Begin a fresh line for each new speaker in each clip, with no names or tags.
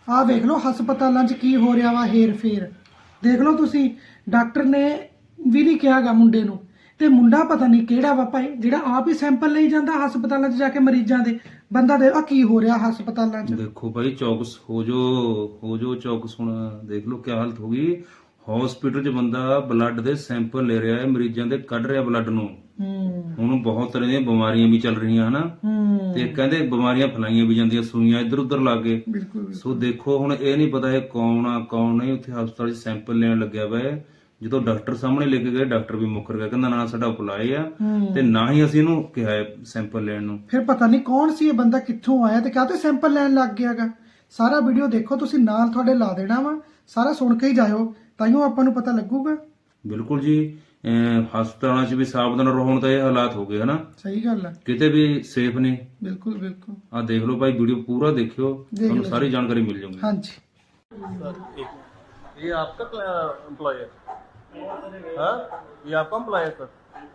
ਆਹ ਵੇਖ ਲਓ ਹਸਪਤਾਲਾਂ 'ਚ ਕੀ ਹੋ ਰਿਹਾ ਵਾ ਹੇਰ ਫੇਰ। ਦੇਖ ਲਓ ਤੁਸੀਂ, ਡਾਕਟਰ ਨੇ ਵੀ ਨਹੀਂ ਕਿਹਾਗਾ ਮੁੰਡੇ ਨੂੰ, ਤੇ ਮੁੰਡਾ ਪਤਾ ਨਹੀਂ ਕਿਹੜਾ ਵਾ ਭਾਈ ਜਿਹੜਾ ਆਪ ਹੀ ਸੈਂਪਲ ਲਈ ਜਾਂਦਾ ਹਸਪਤਾਲਾਂ 'ਚ ਜਾ ਕੇ ਮਰੀਜ਼ਾਂ ਦੇ। ਬੰਦਾ ਦੇ ਆ ਕੀ ਹੋ ਰਿਹਾ ਹਸਪਤਾਲਾਂ 'ਚ।
ਦੇਖੋ ਭਾਈ ਚੌਕਸ ਹੋ ਜੋ ਚੌਕਸ। ਹੁਣ ਦੇਖ ਲਓ ਕੀ ਹਾਲਤ ਹੋ ਗਈ। ਹਸਪੀਟਲ 'ਚ ਬੰਦਾ ਬਲੱਡ ਦੇ ਸੈਂਪਲ ਲੈ ਰਿਹਾ ਹੈ, ਮਰੀਜ਼ਾਂ ਦੇ ਕੱਢ ਰਿਹਾ ਬਲੱਡ ਨੂੰ। ਹੁਣ ਬਹੁਤ ਤਰ੍ਹਾਂ ਦੀਆਂ ਬਿਮਾਰੀਆਂ ਵੀ ਚੱਲ ਰਹੀਆਂ ਹਨਾ, ਤੇ ਕਹਿੰਦੇ ਬਿਮਾਰੀਆਂ ਫੈਲਾਈਆਂ ਵੀ ਜਾਂਦੀਆਂ, ਸੂਈਆਂ ਇੱਧਰ ਉੱਧਰ ਲਾ ਕੇ। ਸੋ ਦੇਖੋ ਹੁਣ ਇਹ ਨਹੀਂ ਪਤਾ ਇਹ ਕੌਣ ਆ ਕੌਣ ਨਹੀਂ। ਉੱਥੇ ਹਸਪਤਾਲ 'ਚ ਸੈਂਪਲ ਲੈਣ ਲੱਗਿਆ ਵਾ। ਜਦੋਂ ਡਾਕਟਰ ਸਾਹਮਣੇ ਲੈ ਕੇ ਗਏ, ਡਾਕਟਰ ਵੀ ਮੁੱਕਰ ਗਿਆ, ਕਹਿੰਦਾ ਨਾ ਸਾਡਾ ਉਪਲਾਏ ਆ ਤੇ ਨਾ ਹੀ ਅਸੀਂ ਇਹਨੂੰ ਕਿਹਾ ਹੈ ਸੈਂਪਲ ਲੈਣ ਨੂੰ।
ਫਿਰ ਪਤਾ ਨਹੀਂ ਕੌਣ ਸੀ ਇਹ ਬੰਦਾ, ਕਿੱਥੋਂ ਆਇਆ ਤੇ ਕਾਹਤੇ ਸੈਂਪਲ ਲੈਣ ਲੱਗ ਗਿਆਗਾ। ਸਾਰਾ ਵੀਡੀਓ ਦੇਖੋ ਤੁਸੀਂ, ਨਾਲ ਤੁਹਾਡੇ ਲਾ ਦੇਣਾ ਵਾ, ਸਾਰਾ ਸੁਣ ਕੇ ਹੀ ਜਾਇਓ, ਤਾਈਓ ਆਪਾਂ ਨੂੰ ਪਤਾ ਲੱਗੂਗਾ।
ਬਿਲਕੁਲ ਜੀ, ਹਸਪਤਾਲਾਂ 'ਚ ਵੀ ਸਾਵਧਾਨ ਰਹੋ। ਹੁਣ ਤਾਂ ਇਹ ਹਾਲਾਤ ਹੋ ਗਏ ਹਨਾ,
ਸਹੀ ਗੱਲ ਹੈ,
ਕਿਤੇ ਵੀ ਸੇਫ ਨਹੀਂ।
ਬਿਲਕੁਲ ਬਿਲकुल।
ਆ ਦੇਖ ਲਓ ਭਾਈ, ਵੀਡੀਓ ਪੂਰਾ ਦੇਖਿਓ, ਤੁਹਾਨੂੰ ਸਾਰੀ ਜਾਣਕਾਰੀ ਮਿਲ ਜਾਊਗੀ।
ਹਾਂਜੀ।
ये आपका एम्प्लॉय है? हाँ, ये आपका एम्प्लॉय है सर?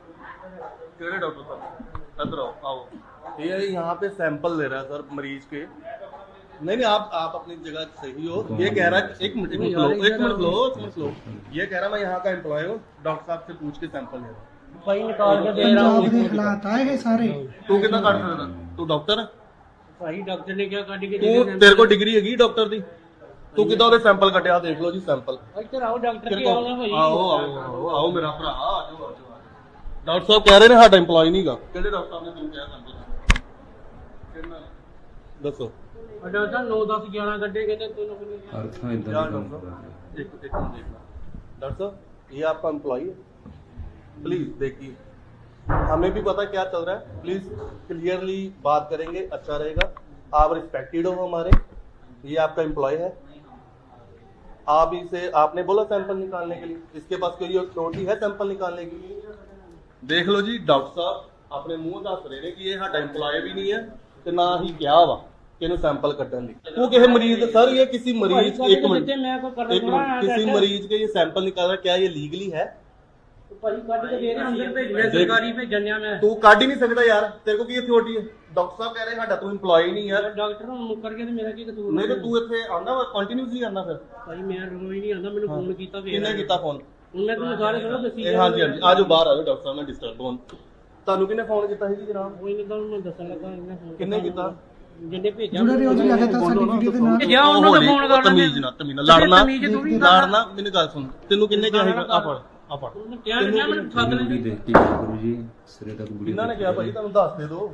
केड़े डॉक्टर साहब इधर आओ। ये यहाँ पे सैंपल ले रहा है सर मरीज के। नहीं आप अपनी जगह सही हो। ये कह रहा है, एक मिनट लो। ये कह रहा मैं यहाँ का एम्प्लॉय हूँ, डॉक्टर साहब से पूछ के सैंपल ले रहा हूँ।
भाई निकाल के दे रहा
ਪੰਜਾਬ ਦੇ ਹਾਲਾत ਆਏ ਇਹ ਸਾਰੇ।
तू कितना काट सकता? तू डॉक्टर है?
भाई डॉक्टर ने क्या काट के
तू तेरे को डिग्री हैगी डॉक्टर दी? तू किदा ਉਹਦੇ ਸੈਂਪਲ ਕੱਢਿਆ? ਦੇਖ ਲਓ ਜੀ ਸੈਂਪਲ।
ਇੱਧਰ ਆਓ ਡਾਕਟਰ ਕੀ ਆਉਣਾ ਭਾਈ।
ਆਓ ਮੇਰਾ ਭਰਾ ਆਜੋ। ਡਾਕਟਰ ਸਾਹਿਬ ਕਹਿ ਰਹੇ ਨੇ ਸਾਡਾ EMPLOYE ਨਹੀਂਗਾ। ਕਿਹੜੇ ਡਾਕਟਰ ਸਾਹਿਬ ਨੇ ਤੈਨੂੰ ਕਿਹਾ ਸੈਂਪਲ? ਕਿੰਨਾ ਦੱਸੋ।
ਡਾਕਟਰ ਸਾਹਿਬ 9 10 11 ਗੱਡੇ ਕਹਿੰਦੇ ਤੈਨੂੰ
ਅਰਥਾਂ ਇਦਾਂ ਦਾ ਕੰਮ ਕਰਦਾ।
एक मिनट देखना। डॉक्टर साहब ये आपका एम्प्लॉय है? प्लीज देखिए, हमें भी पता क्या चल रहा है, प्लीज क्लियरली बात करेंगे, अच्छा रहेगा। आप रिस्पेक्टेड हो हमारे। ये आपका एम्प्लॉय है, आप इसे आपने बोला सैंपल निकालने के लिए, इसके पास कोई अथॉरिटी है सैंपल निकालने की? देख लो जी, डॉक्टर साहब अपने मुंह दस रहे ने कि ये साडा एम्प्लॉय भी नहीं है ते ना ही क्या वा कि इन्हें सैंपल कट्टन दी। वो किसी मरीज सर, ये किसी मरीज एक मिनट किसी मरीज के ये सैंपल निकाल रहा, क्या ये लीगली है?
ਭਾਈ ਕੱਢ ਕੇ ਦੇ ਰਹੇ ਅੰਦਰ ਭੇਜਿਆ ਸਰਕਾਰੀ ਭੇਜਣਿਆ ਮੈਂ।
तू काट ही नहीं सकता यार, तेरे को की अथॉरिटी है? डॉक्टर साहब कह रहे साडा तू एम्प्लॉय नहीं है।
ਡਾਕਟਰ ਨੂੰ ਮੁੱਕਰ ਕੇ ਤੇ ਮੇਰਾ ਕੀ ਕਸੂਰ?
नहीं तो तू इत्थे आंदा वा कंटीन्यूअसली आंदा फिर?
ਭਾਈ ਮੈਂ ਰੋਈ ਨਹੀਂ ਆਂਦਾ, ਮੈਨੂੰ ਫੋਨ ਕੀਤਾ ਫੇਰ।
किन्ने कीता फोन?
ਹੁਣ ਮੈਂ ਤੁਹਾਨੂੰ ਸਾਰੇ ਥੋੜਾ ਦੱਸੀ
हाँ जी आजो बाहर आजो, डॉक्टर साहब ने डिस्टर्ब होन। ਤੁਹਾਨੂੰ ਕਿੰਨੇ ਫੋਨ ਕੀਤਾ ਸੀ ਜੀ ਜਨਾਬ?
ਕੋਈ ਨਹੀਂ ਤੁਹਾਨੂੰ ਮੈਂ ਦੱਸਣ ਲੱਗਾ ਇਹਨੇ ਫੋਨ
ਕਿੰਨੇ ਕੀਤਾ?
ਜਿੰਨੇ ਭੇਜਿਆ
ਜੁੜੇ ਰਹੋ ਜੀ ਲਗਾਤਾਰ ਸਾਡੀ ਵੀਡੀਓ ਦੇ ਨਾਲ।
ਜਾ ਉਹਨਾਂ ਦਾ ਫੋਨ ਕਰ
ਤਮੀਜ਼ ਨਾ ਲੜਨਾ ਮੈਨੂੰ ਗੱਲ ਸੁਣ, ਤੈਨੂੰ ਕਿੰਨੇ ਕਿਹਾ ਸੀਗਾ? ਆ ਫੜ
ਕਿਹਾ ਨਹੀਂ ਮੈਨੂੰ ਠੱਗ ਲੈ।
ਵੀਡੀਓ ਦੇਖ ਕੇ ਗੁਰੂ ਜੀ ਸਿਰੇ ਤੱਕ ਵੀਡੀਓ
ਕਿੰਨਾ ਨੇ ਕਿਹਾ ਭਾਈ ਤੁਹਾਨੂੰ ਦੱਸ ਦੇ ਦੋ।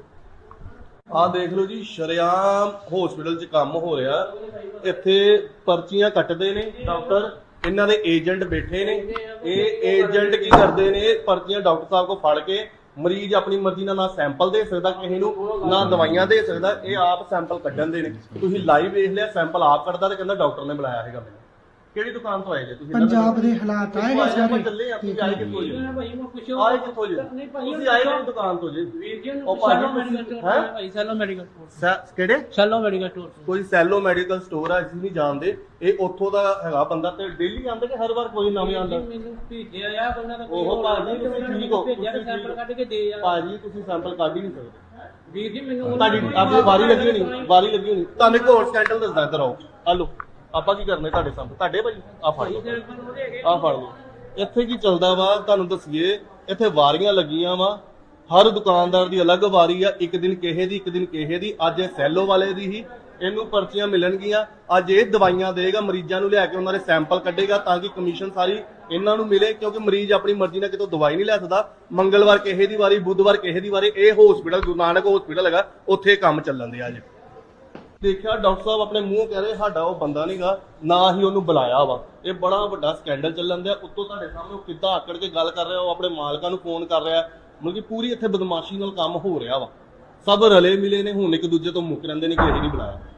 ਆਹ ਦੇਖ ਲਓ ਜੀ, ਸ਼ਰੇਆਮ ਹਸਪੀਟਲ 'ਚ ਕੰਮ ਹੋ ਰਿਹਾ। ਇੱਥੇ ਪਰਚੀਆਂ ਕੱਟਦੇ ਨੇ ਡਾਕਟਰ, ਇਹਨਾਂ ਦੇ ਏਜੰਟ ਬੈਠੇ ਨੇ। ਇਹ ਏਜੰਟ ਕੀ ਕਰਦੇ ਨੇ, ਪਰਚੀਆਂ ਡਾਕਟਰ ਸਾਹਿਬ ਕੋ ਫੜ ਕੇ ਮਰੀਜ਼ ਆਪਣੀ ਮਰਜ਼ੀ ਨਾਲ ਨਾ ਸੈਂਪਲ ਦੇ ਸਕਦਾ ਕਿਸੇ ਨੂੰ, ਨਾ ਦਵਾਈਆਂ ਦੇ ਸਕਦਾ। ਇਹ ਆਪ ਸੈਂਪਲ ਕੱਢਣ ਦੇ ਨੇ। ਤੁਸੀਂ ਲਾਈਵ ਵੇਖ ਲਿਆ, ਸੈਂਪਲ ਆਪ ਕੱਢਦਾ ਤੇ ਕਹਿੰਦਾ ਡਾਕਟਰ ਨੇ ਬੁਲਾਇਆ ਹੈਗਾ ਮੈਨੂੰ। ਕਿਹੜੀ ਦੁਕਾਨ ਤੋਂ ਆਏ ਜੇ ਤੁਸੀਂ?
ਪੰਜਾਬ ਦੇ ਹਾਲਾਤ ਆਏ ਇਹ ਸਾਰੇ।
ਚੱਲੇ ਆ, ਤੁਸੀਂ ਆਏ ਕਿੱਥੋਂ ਜੀ?
ਭਾਈ ਮੈਂ ਕੁਛ
ਆਏ ਕਿੱਥੋਂ ਜੀ? ਤੁਸੀਂ ਆਏ ਕਿਹੜੀ ਦੁਕਾਨ ਤੋਂ ਜੀ?
ਵੀਰ ਜੀ
ਉਹ
ਸੈਲੋ
ਭਾਜੀ
ਮੈਡੀਕਲ ਸਟੋਰ ਹੈ ਭਾਈ, ਸੈਲੋ ਮੈਡੀਕਲ ਸਟੋਰ।
ਕਿਹੜੇ?
ਸੈਲੋ ਮੈਡੀਕਲ ਸਟੋਰ।
ਕੋਈ ਸੈਲੋ ਮੈਡੀਕਲ ਸਟੋਰ ਆ, ਅਸੀਂ ਨਹੀਂ ਜਾਣਦੇ। ਇਹ ਉੱਥੋਂ ਦਾ ਹੈਗਾ ਬੰਦਾ, ਤੇ ਡੇਲੀ ਆਉਂਦਾ ਕਿ ਹਰ ਵਾਰ ਕੋਈ ਨਵੇਂ ਆਉਂਦਾ?
ਮੈਨੂੰ ਭੇਜਿਆ ਆ ਉਹਨਾਂ ਦਾ
ਉਹ ਭਾਜੀ ਤੁਸੀਂ ਠੀਕ ਹੋ,
ਭੇਜਿਆ ਸੈਂਪਲ ਕੱਢ ਕੇ ਦੇ ਯਾਰ।
ਭਾਜੀ ਤੁਸੀਂ ਸੈਂਪਲ ਕੱਢ ਹੀ ਨਹੀਂ ਸਕਦੇ।
ਵੀਰ ਜੀ ਮੈਨੂੰ
ਤੁਹਾਡੀ ਆਪਣੀ ਵਾਰੀ ਲੱਗੀ ਹੋਣੀ, ਵਾਰੀ ਲੱਗੀ ਹੋਣੀ। ਤੁਹਾਨੂੰ ਇੱਕ ਹੋਰ ਸਕੈਂਡਲ ਦੱਸਦਾ, ਇੱਧਰ ਆਓ। ਆ ਲਓ, ਆਪਾਂ ਕੀ ਕਰਨੇ ਤੁਹਾਡੇ ਸਾਹਮਣੇ? ਤੁਹਾਡੇ ਭਾਜੀ ਆ ਫੜ ਲਓ, ਆ ਫੜ ਲਓ। ਇੱਥੇ ਕੀ ਚੱਲਦਾ ਵਾ ਤੁਹਾਨੂੰ ਦੱਸੀਏ। ਇੱਥੇ ਵਾਰੀਆਂ ਲੱਗੀਆਂ ਵਾ, ਹਰ ਦੁਕਾਨਦਾਰ ਦੀ ਅਲੱਗ ਵਾਰੀ ਆ। ਇੱਕ ਦਿਨ ਕਿਸੇ ਦੀ, ਇੱਕ ਦਿਨ ਕਿਸੇ ਦੀ। ਅੱਜ ਇਹ ਸੈਲੋ ਵਾਲੇ ਦੀ ਹੀ, ਇਹਨੂੰ ਪਰਚੀਆਂ ਮਿਲਣਗੀਆਂ। ਅੱਜ ਇਹ ਦਵਾਈਆਂ ਦੇਗਾ ਮਰੀਜ਼ਾਂ ਨੂੰ, ਲਿਆ ਕੇ ਉਹਨਾਂ ਦੇ ਸੈਂਪਲ ਕੱਢੇਗਾ ਤਾਂ ਕਿ ਕਮਿਸ਼ਨ ਸਾਰੀ ਇਹਨਾਂ ਨੂੰ ਮਿਲੇ, ਕਿਉਂਕਿ ਮਰੀਜ਼ ਆਪਣੀ ਮਰਜ਼ੀ ਨਾਲ ਕਿਤੋਂ ਦਵਾਈ ਨਹੀਂ ਲੈ ਸਕਦਾ। ਮੰਗਲਵਾਰ ਕਿਸੇ ਦੀ ਵਾਰੀ, ਬੁੱਧਵਾਰ ਕਿਸੇ ਦੀ ਵਾਰੀ। ਇਹ ਹਸਪੀਟਲ ਗੁਰੂ ਨਾਨਕ ਹਸਪੀਟਲ ਹੈਗਾ, ਉੱਥੇ ਕੰਮ ਚੱਲਣ ਦੇ ਅੱਜ। ਦੇਖਿਆ ਡਾਕਟਰ ਸਾਹਿਬ ਆਪਣੇ ਮੂੰਹ ਕਹਿ ਰਹੇ ਸਾਡਾ ਉਹ ਬੰਦਾ ਨਹੀਂਗਾ, ਨਾ ਹੀ ਉਹਨੂੰ ਬੁਲਾਇਆ ਵਾ। ਇਹ ਬੜਾ ਵੱਡਾ ਸਕੈਂਡਲ ਚੱਲਣ ਦਿਆ। ਉੱਤੋਂ ਤੁਹਾਡੇ ਸਾਹਮਣੇ ਉਹ ਕਿੱਦਾਂ ਆਕੜ ਕੇ ਗੱਲ ਕਰ ਰਿਹਾ, ਉਹ ਆਪਣੇ ਮਾਲਕਾਂ ਨੂੰ ਫੋਨ ਕਰ ਰਿਹਾ। ਮਤਲਬ ਕਿ ਪੂਰੀ ਇੱਥੇ ਬਦਮਾਸ਼ੀ ਨਾਲ ਕੰਮ ਹੋ ਰਿਹਾ ਵਾ। ਸਭ ਰਲੇ ਮਿਲੇ ਨੇ, ਹੁਣ ਇੱਕ ਦੂਜੇ ਤੋਂ ਮੁੱਕ ਰਹਿੰਦੇ ਨੇ ਕਿ ਇਹ ਨਹੀਂ ਬੁਲਾਇਆ।